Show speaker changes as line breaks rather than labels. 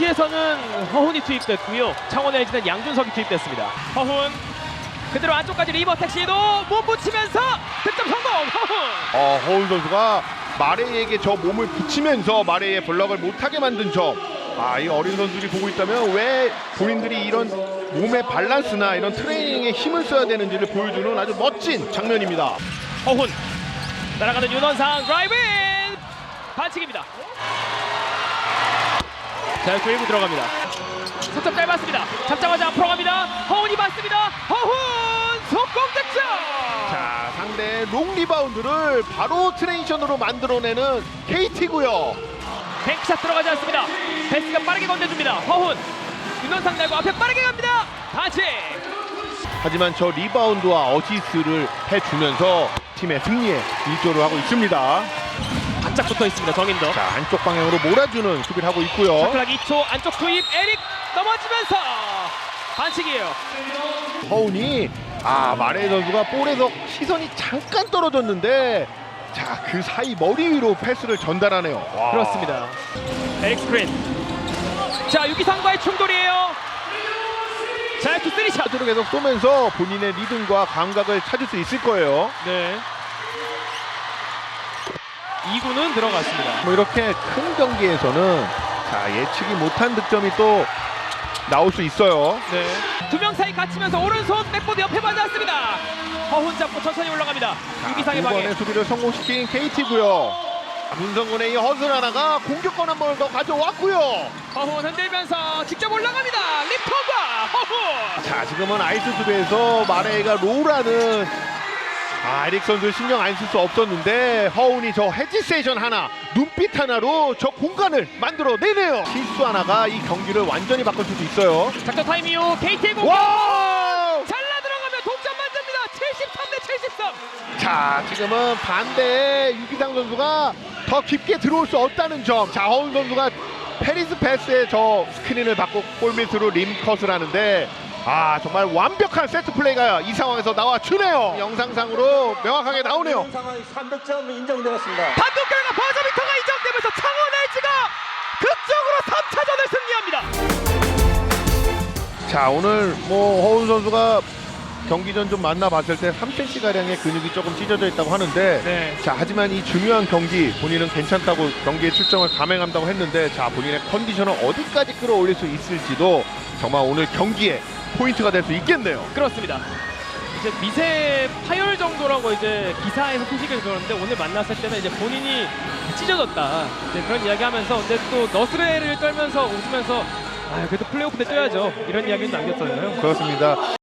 LG에서는 허훈이 투입됐고요. 창원 LG는 양준석이 투입됐습니다. 허훈 그대로 안쪽까지 리버텍 시도 못 붙이면서 득점 성공. 허훈.
허훈 선수가 마레이에게 저 몸을 붙이면서 마레이의 블럭을 못하게 만든 점. 이 어린 선수들이 보고 있다면 왜 본인들이 이런 몸의 밸런스나 이런 트레이닝에 힘을 써야 되는지를 보여주는 아주 멋진 장면입니다.
허훈 날아가는 윤원상 드라이브인 반칙입니다. 자, 그리고 들어갑니다. 석점 짧았습니다. 잡자마자 앞으로 갑니다. 허훈이 받습니다. 허훈 속공 득점.
자, 상대의 롱 리바운드를 바로 트레이션으로 만들어내는 KT고요.
뱅크샷 들어가지 않습니다. 베스가 빠르게 건네줍니다. 허훈 윤원상 날고 앞에 빠르게 갑니다. 반칙.
하지만 저 리바운드와 어시스트를 해주면서 팀의 승리에 일조를 하고 있습니다.
바짝 붙어 있습니다. 정인도.
자, 안쪽 방향으로 몰아주는 수비를 하고 있고요.
샤클락 2초 안쪽 투입. 에릭 넘어지면서 반칙이에요.
허훈이 마레이 선수가 볼에서 시선이 잠깐 떨어졌는데 자, 그 사이 머리 위로 패스를 전달하네요. 와.
그렇습니다. 에릭 스크린. 자, 유기상과의 충돌이에요. 자, 투 쓰리샷.
샷으로 계속 쏘면서 본인의 리듬과 감각을 찾을 수 있을 거예요.
네. 2구는 들어갔습니다.
뭐 이렇게 큰 경기에서는 자, 예측이 못한 득점이 또 나올 수 있어요.
네. 두 명 사이 갇히면서 오른손 백보드 옆에 맞았습니다. 허훈 잡고 천천히 올라갑니다. 유기상의
두
방해.
번의 수비를 성공시킨 KT고요. 문성군의 이 허슬 하나가 공격권 한 번을 더 가져왔고요.
허훈 흔들면서 직접 올라갑니다. 리턴과 허훈.
자, 지금은 아이스 수비에서 마레이가 롤하는 에릭 선수 신경 안 쓸 수 없었는데 허훈이 저 헤지세이션 하나, 눈빛 하나로 저 공간을 만들어내네요. 실수 하나가 이 경기를 완전히 바꿀 수도 있어요.
작전 타임 이후 KT의 공격.
와!
잘라 들어가면 동점 만듭니다. 73대 73.
자, 지금은 반대에 유기상 선수가 더 깊게 들어올 수 없다는 점. 자, 허훈 선수가 페리스 패스에 저 스크린을 받고 골밑으로 림컷을 하는데 정말 완벽한 세트 플레이가 이 상황에서 나와주네요. 영상상으로 명확하게 나오네요.
상황이 3득점 인정되었습니다.
단독 결과 버저비터가 인정되면서 창원 LG가 극적으로 3차전을 승리합니다.
자, 오늘 뭐 허훈 선수가 경기 전 좀 만나봤을 때 3cm 가량의 근육이 조금 찢어져 있다고 하는데
네.
자, 하지만 이 중요한 경기 본인은 괜찮다고 경기에 출정을 감행한다고 했는데 자, 본인의 컨디션을 어디까지 끌어올릴 수 있을지도 정말 오늘 경기에 포인트가 될 수 있겠네요.
그렇습니다. 이제 미세 파열 정도라고 이제 기사에서 소식을 들었는데 오늘 만났을 때는 이제 본인이 찢어졌다 이제 그런 이야기하면서 근데 또 너스레를 떨면서 웃으면서 그래도 플레이오프 때 뛰어야죠 이런 이야기를 남겼잖아요.
그렇습니다.